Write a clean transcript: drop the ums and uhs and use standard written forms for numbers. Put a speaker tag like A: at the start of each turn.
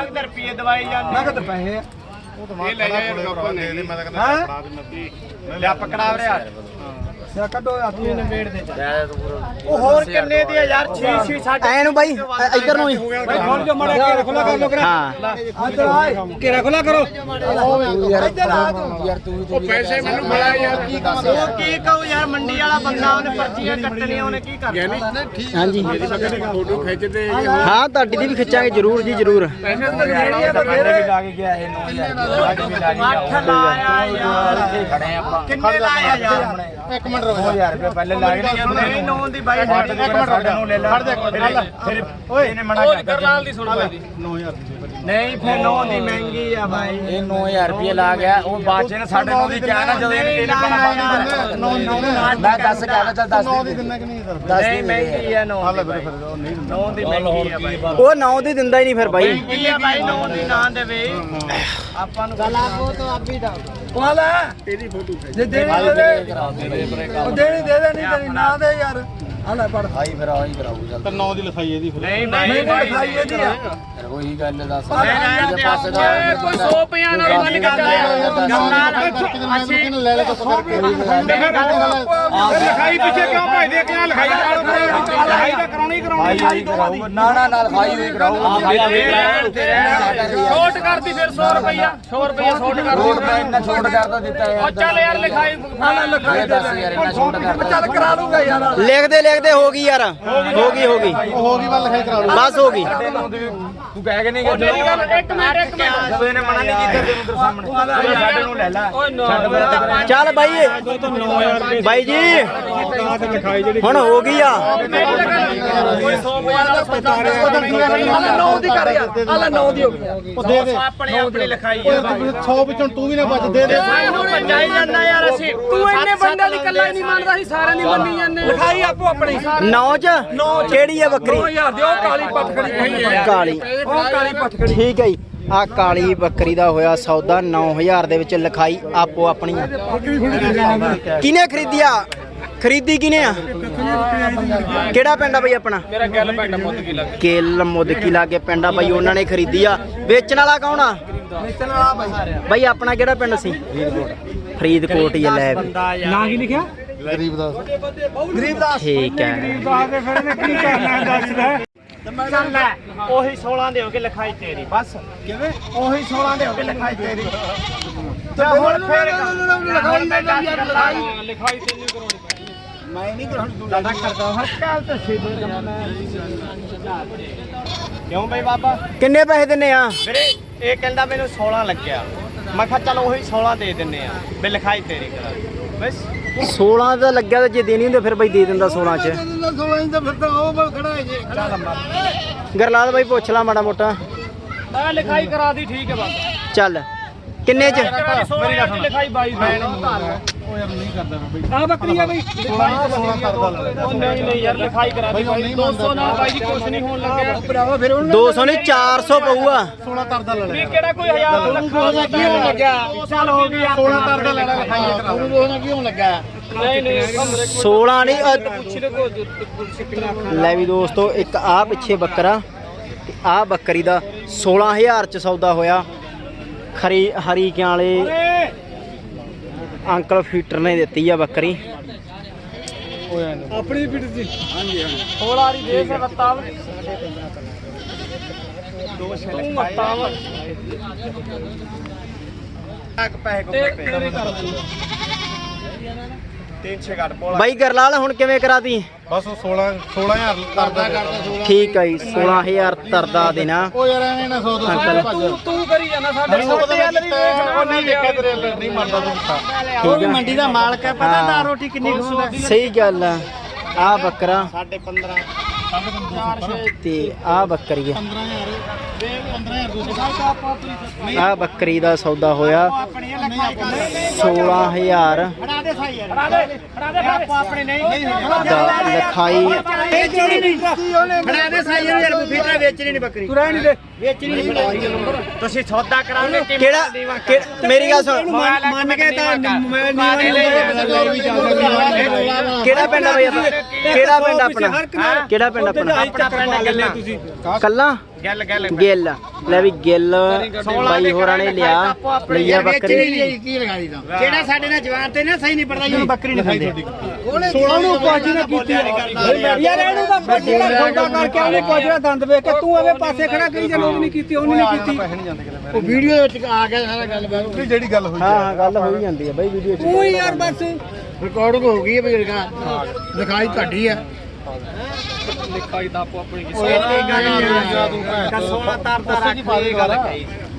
A: ਨਗਦ ਰੁਪਏ ਦਵਾਈ ਜਾਂਦੇ
B: ਨਗਦ ਪੈਸੇ
A: ਇਹ ਲੈ ਜਾ ਲਿਆ ਪਕੜਾ ਰਿਹਾ
B: ਸਿਆ ਕੱਢੋ ਹੱਥ ਨੂੰ ਨਵੇੜ ਦੇ
A: ਉਹ ਹੋਰ ਕਿੰਨੇ ਦੀ ਆ ਯਾਰ 6 6 7
C: ਐ ਨੂੰ ਬਾਈ ਇੱਧਰ ਨੂੰ ਹੀ
B: ਬਾਈ ਖੋਲ ਜੋ ਮੜਾ ਕੇ ਖੁੱਲਾ ਕਰ ਲੋ ਕਰਾ
C: ਹਾਂ
B: ਇੱਧਰ ਆਏ ਘੇਰਾ ਖੁੱਲਾ ਕਰੋ ਇੱਧਰ ਆ ਤੂੰ ਯਾਰ ਤੂੰ
A: ਉਹ ਪੈਸੇ ਮੈਨੂੰ ਮਿਲਾ ਯਾਰ ਕੀ ਕਹੂੰ ਯਾਰ ਮੰਡੀ ਵਾਲਾ ਬੰਦਾ ਉਹਨੇ ਪਰਚੀਆਂ ਕੱਟਣੀਆਂ ਉਹਨੇ ਕੀ ਕਰਨਾ
C: ਹਾਂਜੀ
A: ਫੋਟੋ ਖਿੱਚਦੇ
C: ਹਾਂ ਤੁਹਾਡੀ ਦੀ ਵੀ ਖਿੱਚਾਂਗੇ ਜਰੂਰ ਜੀ ਜਰੂਰ
A: ਪੈਸੇ ਤਾਂ ਜਿਹੜੀ ਤਾਂ
B: ਵੀ ਲਾ ਕੇ ਗਿਆ ਇਹ 9000
A: 8 ਲਾਇਆ ਯਾਰ
B: ਖੜੇ ਆਪਾਂ
A: ਕਿੰਨੇ ਲਾਇਆ ਯਾਰ
B: 1 ਮਿੰਟ ਰੁਕੋ 2000 ਰੁਪਏ ਪਹਿਲੇ ਲਾ ਕੇ
A: ਨਹੀਂ 9 ਦੀ ਬਾਈ
B: ਸਾਡੇ ਨੂੰ ਲੈ ਲੈ ਫਿਰ ਓਏ ਇਹਨੇ ਮਨਾ ਕਰ
A: ਕਰਨਾਲ ਦੀ ਸੁਣ ਬਾਈ
B: 9000
A: ਨਹੀਂ ਫਿਰ 9 ਦੀ ਮਹਿੰਗੀ ਆ ਬਾਈ
B: ਇਹ 9000 ਰੁਪਏ ਲਾ ਗਿਆ ਉਹ ਬਾਚੇ ਨੇ 9.5 ਦੀ ਕਿਹਾ ਨਾ ਜਦੋਂ ਇਹਨੇ ਮੈਂ 10 ਕਹਿ ਚੱਲ 10 ਦੀ ਦਿੰਦਾ ਕਿ ਨਹੀਂ 10
A: ਨਹੀਂ ਮਹਿੰਗੀ ਆ 9
B: ਹਾਲੇ ਫਿਰ ਨਹੀਂ
A: 9 ਦੀ ਮਹਿੰਗੀ ਆ ਬਾਈ
C: ਉਹ 9 ਦੀ ਦਿੰਦਾ ਹੀ ਨਹੀਂ ਫਿਰ ਬਾਈ
A: ਮਹਿੰਗੀ ਆ ਬਾਈ 9 ਦੀ ਨਾ ਦੇਵੇ ਆਪਾਂ ਨੂੰ ਗਲਾ ਕੋ ਤਾਂ ਆਪੀ ਦਾ
B: ਵਾਲਾ ਤੇਰੀ ਫੋਟੋ ਜੇ ਦੇਣੀ ਉਹ ਦੇਣੀ ਦੇ ਦੇ ਨਹੀਂ ਤੇਰੀ ਨਾ ਦੇ ਯਾਰ ਆ ਲੈ ਪੜ
C: ਆਈ ਫਿਰ ਆਈ ਕਰਾਉ ਚੱਲ
B: ਤੇ 9 ਦੀ ਲਿਖਾਈ ਇਹਦੀ ਫਿਰ
A: ਨਹੀਂ
B: ਨਹੀਂ ਲਿਖਾਈ ਇਹਦੀ ਆ
C: ਉਹੀ ਗੱਲ ਦੱਸ
A: ਕੋਈ 100 ਪਿਆ ਨਾਲ ਬੰਨ ਕੇ ਅਸੀਂ
B: ਲੈ ਲੈ ਤਾਂ
A: ਲਿਖਾਈ ਪਿੱਛੇ ਕਿਉਂ ਭਜਦੇ ਕਿਉਂ ਲਿਖਾਈ ਤਾਂ ਕਰਾਉਣੀ ਕਰਾਉਣੀ
C: ਨਾ ਨਾ ਨਾਲ ਖਾਈ ਹੋਈ ਕਰਾਉ
A: ਛੋਟ ਕਰਦੀ ਫਿਰ 100 ਰੁਪਇਆ 100 ਰੁਪਇਆ ਛੋਟ
C: ਰੋਡ
A: ਕਰਦੀ
C: ਮੈਂ ਇੰਨਾ ਛੋਟ ਕਰਦਾ ਦਿੱਤਾ
A: ਉਹ ਚੱਲ ਯਾਰ ਲਿਖਾਈ
C: ਯਾਰ ਦੱਸ ਯਾਰ ਇੰਨਾ ਛੋਟ ਕਰਦਾ
B: ਚੱਲ ਕਰਾ ਲੂਗਾ ਯਾਰ
C: ਲਿਖਦੇ ਲਿਖਦੇ ਹੋ ਗਈ ਯਾਰ ਹੋ ਗਈ
B: ਹੋ ਗਈ ਵੱਲ ਲਿਖਾਈ ਕਰਾ ਲੂ
C: ਬਸ ਹੋ ਗਈ
B: ਤੂੰ ਕਹਿ ਕੇ ਨਹੀਂ
A: ਮੇਰੀ ਗੱਲ ਇੱਕ ਮਿੰਟ
B: ਜਦੋਂ ਇਹਨੇ ਮਨਾ ਨਹੀਂ ਕੀਤਾ ਤੈਨੂੰ ਤੇਰੇ ਸਾਹਮਣੇ ਸਾਡੇ ਨੂੰ ਲੈ ਲੈ
C: ਚੱਲ ਬਾਈ ਬਾਈ ਜੀ
B: ਲਿਖਾਈ ਜਿਹੜੀ
C: ਹੁਣ ਹੋ ਗਈ ਆ
A: ਕੋਈ 100 ਪਿਆ ਨਾਲ ਸੌਦਾ
B: ਹਾਲੇ 9 ਦੀ ਕਰ ਯਾਰ ਹਾਲੇ 9 ਦੀ ਹੋ ਗਈ ਉਹ ਦੇ ਦੇ
A: ਆਪਣੇ ਆਪਣੀ ਲਿਖਾਈ ਆ
B: 100 ਵਿੱਚੋਂ ਤੂੰ ਵੀ ਨਾ ਬਚ ਦੇ ਦੇ
A: ਸਾਨੂੰ ਪੰਜਾਈ ਜਾਂਦਾ ਯਾਰ ਅਸੀਂ ਤੂੰ ਇੰਨੇ ਬੰਦਿਆਂ ਦੀ ਕੱਲਾ ਹੀ ਨਹੀਂ ਮੰਨਦਾ ਸੀ ਸਾਰਿਆਂ ਦੀ ਮੰਨੀ ਜਾਂਦੇ
B: ਲਿਖਾਈ ਆਪੋ ਆਪਣੀ
C: 9 ਚ ਕਿਹੜੀ ਆ ਬੱਕਰੀ
B: 9000 ਦੇ ਉਹ ਕਾਲੀ ਪੱਠਕੜੀ
C: ਕਾਲੀ
B: ਉਹ ਕਾਲੀ ਪੱਠਕੜੀ
C: ਠੀਕ ਹੈ ਜੀ ਆ ਕਾਲੀ ਬੱਕਰੀ ਦਾ ਹੋਇਆ ਸੌਦਾ 9000 ਦੇ ਵਿੱਚ ਲਿਖਾਈ ਆਪੋ ਆਪਣੀ ਆ ਕਿਹਨੇ ਖਰੀਦਿਆ ਖਰੀਦੀ ਕਿਹਨੇ ਆ ਕਿਹੜਾ ਪਿੰਡ ਆ ਬਈ ਆਪਣਾ
A: ਮੇਰਾ ਗੱਲ ਪਿੰਡ ਮੁੱਦਕੀ ਲੱਗ
C: ਕੇਲ ਮੁੱਦਕੀ ਲਾਗੇ ਪਿੰਡ ਆ ਬਈ ਉਹਨਾਂ ਨੇ ਖਰੀਦੀ ਆ ਵੇਚਣ ਵਾਲਾ ਕੌਣ ਆ
B: ਵੇਚਣ ਵਾਲਾ ਬਾਈ
C: ਬਈ ਆਪਣਾ ਕਿਹੜਾ ਪਿੰਡ ਸੀ ਫਰੀਦਕੋਟ ਹੀ ਆ ਲੈ ਵੀ
B: ਨਾਂ ਕੀ ਲਿਖਿਆ ਗਰੀਬ ਦਾਸ
C: ਠੀਕ ਹੈ
B: ਦਾਸ ਦੇ ਫਿਰ ਇਹਨੇ ਕੀ ਕਰਨਾ ਦੱਸਦਾ
A: ਚੱਲ ਲੈ ਉਹੀ 16 ਦੇ ਹੋ ਕੇ ਲਿਖਾਈ ਤੇਰੀ ਬਸ
B: ਕਿਵੇਂ
A: ਉਹੀ 16 ਦੇ ਹੋ ਕੇ ਲਿਖਾਈ ਤੇਰੀ ਤੇ ਹੁਣ ਫੇਰ ਲਿਖਾਈ ਤੈਨੂੰ ਕਰਾਉਣੀ ਪੈਣੀ
B: ਮੈਂ ਨਹੀਂ ਕਰਾਉਣੀ ਤੂੰ
A: ਜ਼ਿਆਦਾ ਕਰਦਾ ਹਰ ਕਾਲ ਤੇ ਸਿੱਧੇ ਜਮਨਾ ਕਿਉਂ ਬਈ ਬਾਬਾ
C: ਕਿੰਨੇ ਪੈਸੇ ਦਿੰਨੇ ਆ
A: ਵੀਰੇ ਇਹ ਕਹਿੰਦਾ ਮੈਨੂੰ 16 ਲੱਗਿਆ ਮੈਂ ਕਿਹਾ ਚੱਲ ਉਹੀ 16 ਦੇ ਦਿੰਨੇ ਆ ਵੀ ਲਿਖਾਈ ਤੇਰੀ ਕਰਾ ਬਸ
C: 16 ਦਾ ਲੱਗਿਆ ਤਾਂ ਜੇ ਦੇਣੀ ਹੁੰਦੀ ਫਿਰ ਬਈ ਦੇ ਦਿੰਦਾ 16 ਚ
B: 16 ਇੰਚ ਫਿਰ ਤਾਂ ਉਹ ਖੜਾ ਹੈ ਜੇ
C: ਗਰਲਾਲ ਬਾਈ ਪੁੱਛ ਲਾ ਮਾੜਾ ਮੋਟਾ
A: ਮੈਂ ਲਿਖਾਈ ਕਰਾ ਦੀ ਠੀਕ ਹੈ ਬਸ
C: ਚੱਲ ਕਿੰਨੇ ਚ
A: ਮੇਰੀ ਗੱਲ ਲਿਖਾਈ 22
B: ਉਹ ਯਾਰ ਨਹੀਂ ਕਰਦਾ ਮੈਂ ਬਈ
A: ਆ ਬੱਕਰੀ ਆ ਬਈ
B: 16 ਕਰਦਾ
A: ਉਹ ਨਹੀਂ ਯਾਰ ਲਿਖਾਈ ਕਰਾ ਦੀ ਬਾਈ 200 ਨਾਲ ਬਾਈ ਜੀ ਕੁਛ ਨਹੀਂ ਹੋਣ ਲੱਗਿਆ
B: ਭਰਾਵਾ ਫਿਰ ਉਹਨੂੰ
C: 200 ਨਹੀਂ 400 ਪਊਗਾ
B: 16 ਤਰਦਾ ਲੈ ਲੈ
A: ਵੀ ਕਿਹੜਾ ਕੋਈ 1000 ਲੱਖਾਂ ਦਾ ਕੀ ਹੋਣ ਲੱਗਿਆ 2 ਸਾਲ ਹੋ ਗਏ
B: 16 ਤਰਦਾ ਲੈ ਲੈ ਲਿਖਾਈ ਕਰਾ ਉਹਨੂੰ ਕੀ ਹੋਣ ਲੱਗਾ
A: ਨਹੀਂ ਨਹੀਂ
C: 16 ਨਹੀਂ
A: ਪੁੱਛ ਲੈ ਕੋ
C: ਲੈ ਵੀ ਦੋਸਤੋ ਇੱਕ ਆ ਪਿੱਛੇ ਬੱਕਰਾ ਤੇ ਆ ਬੱਕਰੀ ਦਾ 16000 ਚ ਸੌਦਾ ਹੋਇਆ ਹਰੀਕਿਆਂ ਵਾਲੇ ਅੰਕਲ ਫੀਟਰ ਨੇ ਦਿੱਤੀ ਆ ਬੱਕਰੀ
B: ਆਪਣੀ ਪਿੱਠ ਦੀ ਹਾਂਜੀ ਹਾਂ
A: ਥੋੜਾ ਰੀ ਦੇ ਸਕਤਾ ਦੋ ਛੇ ਮੱਤਾ ਵਾ ਇੱਕ ਪੈਸੇ ਕੋ ਤੇਰੀ ਕਰ ਦੂੰਗਾ 300 ਘੱਟ ਪੋਲਾ
C: ਬਾਈ ਗਰਲਾਲ ਹੁਣ ਕਿਵੇਂ ਕਰਾਤੀ
B: ਬਸ 16000 ਤਰਦਾ ਕਰਦਾ
C: ਠੀਕ ਹੈ ਜੀ 16000 ਤਰਦਾ ਦੇਣਾ
B: ਉਹ ਯਾਰ ਐਵੇਂ ਨਾ 100
C: ਅੰਕਲ
A: ਤੂੰ ਕਰੀ ਜਾਂਦਾ ਸਾਡੇ
B: ਉਹ ਨਹੀਂ ਦੇਖਿਆ ਤੇਰੇ ਨਹੀਂ ਮਰਦਾ ਤੂੰ
C: ਠੀਕ ਹੈ
A: ਮੰਡੀ ਦਾ ਮਾਲਕ ਹੈ ਪਤਾ ਦਾ ਰੋਟੀ ਕਿੰਨੀ ਖਾਂਦਾ
C: ਸਹੀ ਗੱਲ ਆ ਆ ਬੱਕਰਾ
A: 15.5
C: ਤੇ ਆ ਬੱਕਰੀ ਆ
B: 15000
C: ਆ ਬੱਕਰੀ ਦਾ ਸੌਦਾ ਹੋਇਆ 16000
A: ਫੜਾ ਦੇ ਸਾਈ ਯਾਰ ਫੜਾ ਦੇ ਆਪਣੇ ਨਹੀਂ
C: ਦਾ ਲਿਖਾਈ
A: ਵੇਚਣੀ ਨਹੀਂ ਫੜਾ ਦੇ ਸਾਈ ਯਾਰ ਫੀਟਰ ਵੇਚਣੀ ਨਹੀਂ ਬੱਕਰੀ
B: ਤੂੰ ਰਹਿ ਨਹੀਂ ਦੇ
A: ਵੇਚਣੀ ਨਹੀਂ ਤੁਸੀਂ ਸੌਦਾ ਕਰਾਓਗੇ
C: ਕਿਹੜਾ ਮੇਰੀ ਗੱਲ ਸੁਣ
A: ਮੰਨ ਕੇ ਤਾਂ ਮੈਂ
C: ਕਿਹੜਾ ਪਿੰਡ ਆ ਬਈ ਆਪਣਾ ਕਿਹੜਾ ਪਿੰਡ ਆਪਣਾ ਕਿਹੜਾ ਪਿੰਡ ਆਪਣਾ
A: ਆਪਣਾ ਪਿੰਡ ਗੱਲੇ ਤੁਸੀਂ
C: ਕੱਲਾ
A: ਗੱਲ
C: ਗਿੱਲ ਲੈ ਵੀ ਗਿੱਲ ਬਾਈ ਹੋਰਾਂ ਨੇ ਲਿਆ ਲਈਆ ਬੱਕਰੀ
B: ਕੀ ਲਗਾਈ ਤਾਂ
A: ਜਿਹੜਾ ਸਾਡੇ ਨਾਲ ਜਵਾਨ ਤੇ ਨਾ ਸਹੀ ਨਹੀਂ ਪੜਦਾ ਜੀ
C: ਬੱਕਰੀ ਨਹੀਂ ਖਾਂਦੇ
B: ਉਹਨੇ 16 ਨੂੰ ਕੁਝ ਨਾ ਕੀਤੀ ਯਾਰ ਇਹਨੂੰ ਤਾਂ ਬੱਚੇ ਦਾ ਸੌਦਾ ਕਰਕੇ ਉਹਨੇ ਕੁਝ ਨਾ ਦੰਦ ਵੇਖ ਕੇ ਤੂੰ ਐਵੇਂ ਪਾਸੇ ਖੜਾ ਕਰੀ ਜਾਂ ਲੋਕ ਨਹੀਂ ਕੀਤੀ ਉਹਨੇ ਨਹੀਂ ਕੀਤੀ ਉਹ ਵੀਡੀਓ ਵਿੱਚ ਆ ਗਿਆ ਸਾਰਾ ਗੱਲ ਬਾਤ ਜਿਹੜੀ ਗੱਲ ਹੋਈ
C: ਹਾਂ ਗੱਲ ਹੋਈ ਜਾਂਦੀ ਹੈ ਬਾਈ ਵੀਡੀਓ 'ਚ
B: ਤੂੰ ਯਾਰ ਬਸ ਰਿਕਾਰਡਿੰਗ ਹੋ ਗਈ ਹੈ ਬਜ਼ੁਰਗਾ ਦਿਖਾਈ ਤੁਹਾਡੀ ਆ
A: ਲਿਖਾਈ ਤਾਂ ਆਪੋ ਆਪਣੀ ਕਿਸੇ ਤੇ ਗੱਲ 16 ਤਾਰ ਰੱਖ ਗੱਲ ਕਹੀ